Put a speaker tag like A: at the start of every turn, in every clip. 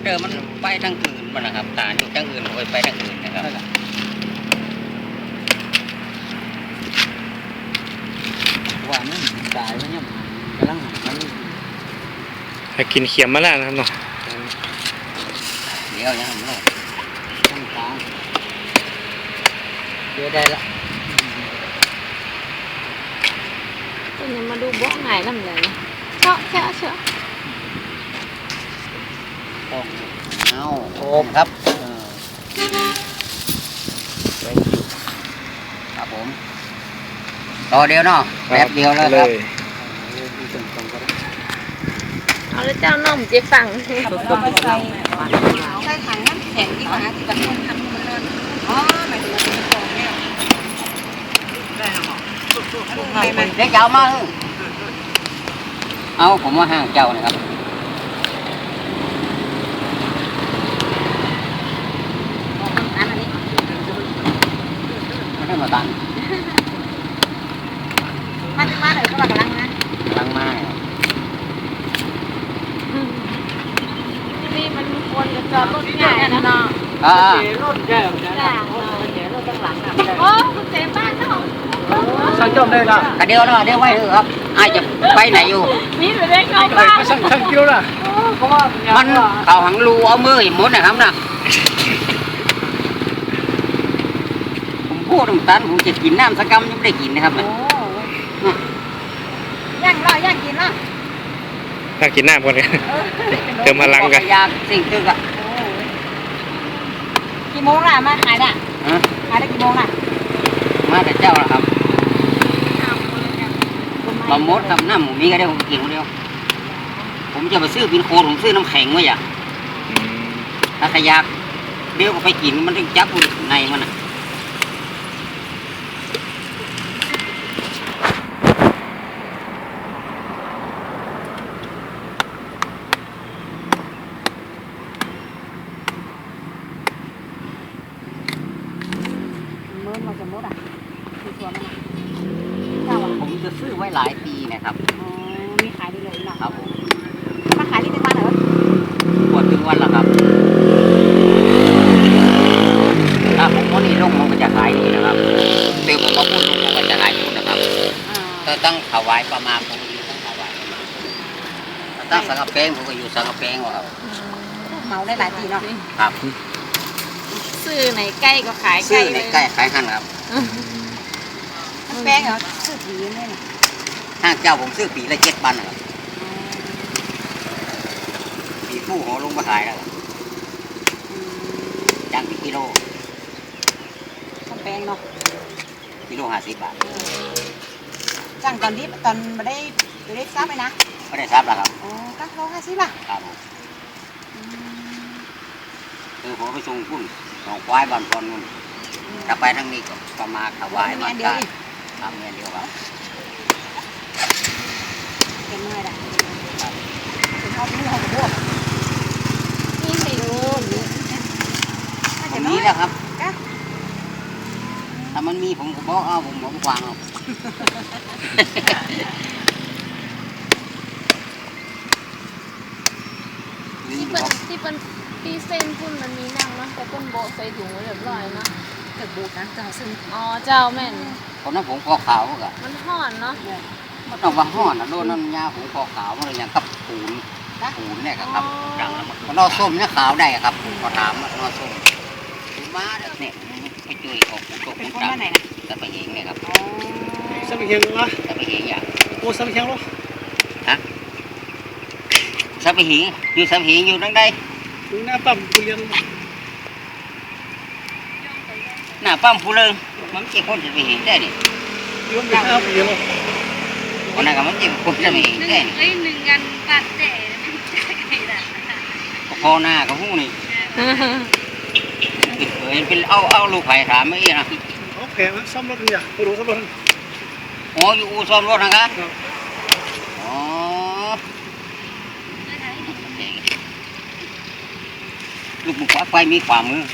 A: เดิมมันไปทางอื่นมันนะครับฐานอยู่ทางอื่นไปทางอื่นนะครับว่ามันตายมันยังกำลัง
B: กินเขียมมาแล้วนะครับเนาะ
A: เดี๋ยวยังไม่ตั้งกลางเดี๋ยวได้ละ
C: ตอนนี้มาดูบ่อไหนลำเลยเชาะ
A: เอาโอมครับครับผมต่อเดียวเนาะแบบเดียวแล้วครับ
C: เอาแล้วเจ้าน้องเจ๊ฟัง
D: ใส่ถังน้ำแข็งดีกว่าที่แบบคนทำมันนอนอ๋อหมายถึงว่าเป็นของเนี่ยได้หรอ
A: เดี๋ยวเจ้ามาเอาผมว่าห้างเจ้านะครับไม่ได้มาตัน
D: มาเลยก็กำลังนะ
A: กำลังมา
C: นี่มันควรจะจอดรถง่ายนะเนาะ
A: รถใหญ่
D: รถตั้งหลังอ่ะ
C: โอ้คุณเจ๊บ้านเนาะ
B: สั่งจอมได้ละ
A: กระเดียวเนาะเดี๋ยวไว้เถอะครับไอ้จะไปไหนอยู่
C: นี่จะได้เข้าบ้าน
B: สั่งคิวล่ะ
A: มันเขาหังรูเอามือหมดนะครับนะผมพูดตรงนั้นผมจะกินน้ำสกัมยังไม่ได้กินนะครับ
D: ย่างกินละ
B: ถ้ากินน้ำก่อนเลยเติมพลังกัน
A: ยากสิ่งตึกอ่ะ
D: กี่โมงล่ะมาขายน่ะขายได้กี่โมงล่ะ
A: มาแต่เจ้าละครับบะมดครับน้ำหมูมีก็ได้ผมกินคนเดียวผมจะไปซื้อปินโคผมซื้อน้ำแข็งไว้อ่ะถ้าขยากเดี๋ยวก็ไปกินมันต้องจับในมันอ่ะ
D: มาสมมติอ่ะคือตัวมัน
A: ผมจะซื้อไว้หลายปีนะครับ
D: มีขายได้เลย
A: ครับผม
D: มาขายที่เป็นวันเหรอ
A: ปวดถึงวันละครับถ้าผมวันนี้ลงมันก็จะขายดีนะครับเดี๋ยวผมมาพูดลงมันก็จะขายดีนะครับถ้าตั้งถวายประมาณผมก็อยู่ตั้งถวายประมาณตั้งสังกะเพงผมก็อยู่สังกะเพงครับ
D: เมาได้หลายปีเนาะ
A: ครับ
C: ซื้อไหนใกล้ก็ขายใกล้
A: ซื้อในใกล้ขายหันครับ
D: แป้งเหรอซื้อผีนี่น่ะ
A: ห้างเจ้าผมซื้อปีละ7 ปันครับปีผู้หัวลงมาขายแล้วจ้างเป็นกิโล
D: แป้งเนาะ
A: กิโล50 บาท
D: จ้างตอนนี้ตอนมาได้ทราบไหมนะ
A: ไม่ได้ทราบแล้วครับ
D: อ๋อก็โล50ป่ะ
A: ครับคือผมไปส่งพุ่นหนองควายบ้านพรนุ่นถ้าไปทางนี้ก็ประมาณถวายบ้านกันทำเงินเดียวครับ
D: เป็นเมื่อไหร่เป็นชอบนี่เขาบอกนี่ไม่รู้
A: ตรงนี้แหละครับถ้ามันมีผมก็บอกเอาผมวางเอา
C: ที่เป็นปีเส้นพุ่นมันมีนั่งเนาะแต่ก้นโบใส่ถุงไว้เรียบร้อยเนาะ
D: แต่บูดนะเจ้าซึ่ง
C: อ๋อเจ้าแม่น
A: คนนั้นผมคอขาวก็
C: มันห่อนเนาะ
A: มันต้องว่าห่อนนะโดนน้ำยาผมคอขาวมันอย่างกับปูนเนี่ยครับดังแล้วมันนอส้มเนี่ยขาวได้ครับพอถามนอส้มมาเนี่ยไปจุยออกตัวผมจับแต่ไปเองเนี่ยครับ
B: สับเฮียงวะ
A: แต่ไปเองอย่าง
B: โอ้สับเฮียงวะ
A: ฮะสับไปหิงอยู่สับหิงอยู่ดังใด
B: ถึงหน้าปั๊มผู้เลี้ยง
A: หน้าปั๊มผู้เลี้ยงมันเจ็บคนจะไปหิงได้ดิ
B: ย้อนไปหน้าผู้เลี้ยง
A: วันนั้นก็มันเจ็บคนจะไปหิงได้
C: หนึ่งกันปัดแต่
A: พอหน้าก็หู้นี่เป็นเอาลูกไผ่ถามไม่อีนะ
B: โอเคมันซ่อมรถเนี่ยไปดูซ่อมรถ
A: อ๋ออยู่อู่ซ่อมรถนะครับอ๋อลูกบุกไฟมีความมือ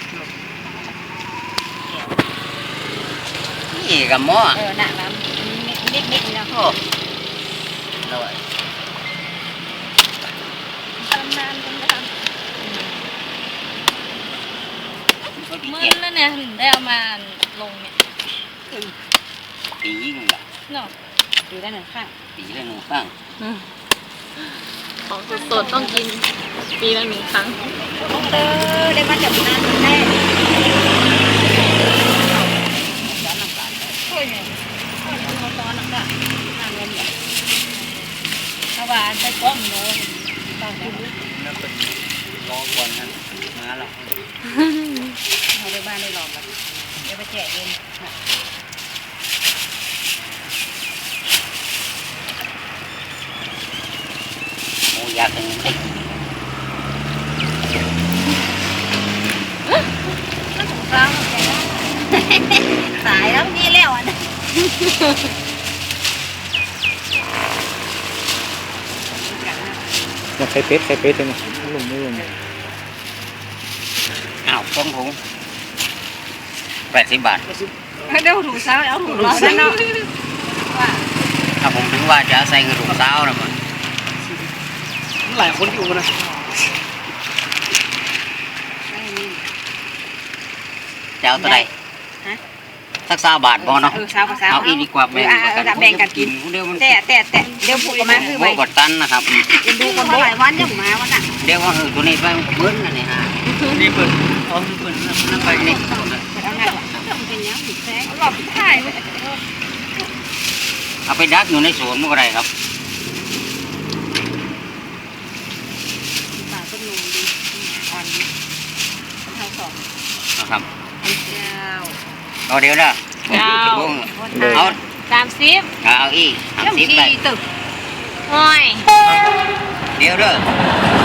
A: นี่กับหม้อ
D: หนักน้ำนิดๆนะ
A: โอ้เลย
C: ตำนานงินแล้วเนี่ยถึงได้เอามาลงเนี่ย
A: ปียิ่งละ
C: เนาะ
D: ดูได้หนึ่งข้าง
A: ปีละหนึ่งครั้ง
C: ของสดๆต้องกินปีละ1 ครั้ง
D: เออได้มาจากนั้นได้ช่วยเนี่ยช่วยตอนนั้นก็ทางเงินเนี่ยถ้าว่าได้ก้อนโน้ตต้องได้
A: แล้วเป็นรอก่อนนั้นมาแล้ว
D: เราได้บ้านได้หลอมแล้วเดี๋ยวไปแจกเงิน
A: โอ้อยากให้ได้
D: สายแล้วนี่แล้วอ่ะ
B: อยากใส่เป็ดเลยนะลงไม่ลง
A: อ้าวต้องถุง80 บาท
D: เดี๋ยวถูกเช้าเอาถูกร้อนแล้วเนาะว่า
A: ถ้าผมถึงว่าจะใส่กระดูกเท้านะมัน
B: หลายคนอยู่นะ
A: จะเอาตัวใด
D: ฮะ
A: สัก20 บาทพอเนาะ
D: เช้ากับเช้า
A: เอาอีกดีกว่าแบ่ง
D: แบ่งกันกิน
A: เดี๋ยวมัน
D: แต่เดี๋ยวผูกมาคือ
A: โม
D: ไว้
A: กดตันนะครับ
D: ดูคนหลายวันยังมาวันน่ะ
A: เดี๋ยวว่าตัวนี้ไปเบิ้ลนะนี่ฮะนี่เบิ้ลเอาเบิ้ลนั่นไปนี่
D: เอาไงเป็นยังผิดแท้หลอกถ่าย
A: เอาไปดักอยู่ในสวนมันก็ได้ครับ
D: ป่าต้นนมดีอ่อนดีเท่าสอง
A: นะครับ
D: เจ้า
A: เอาเดี๋ยวนะ
C: เจ้า
A: เอา
C: 30
A: เอาอีก
D: เรื่อง
A: 30ไป
D: ชีตึก
C: ห้อย
A: เดี๋ยวเด้อ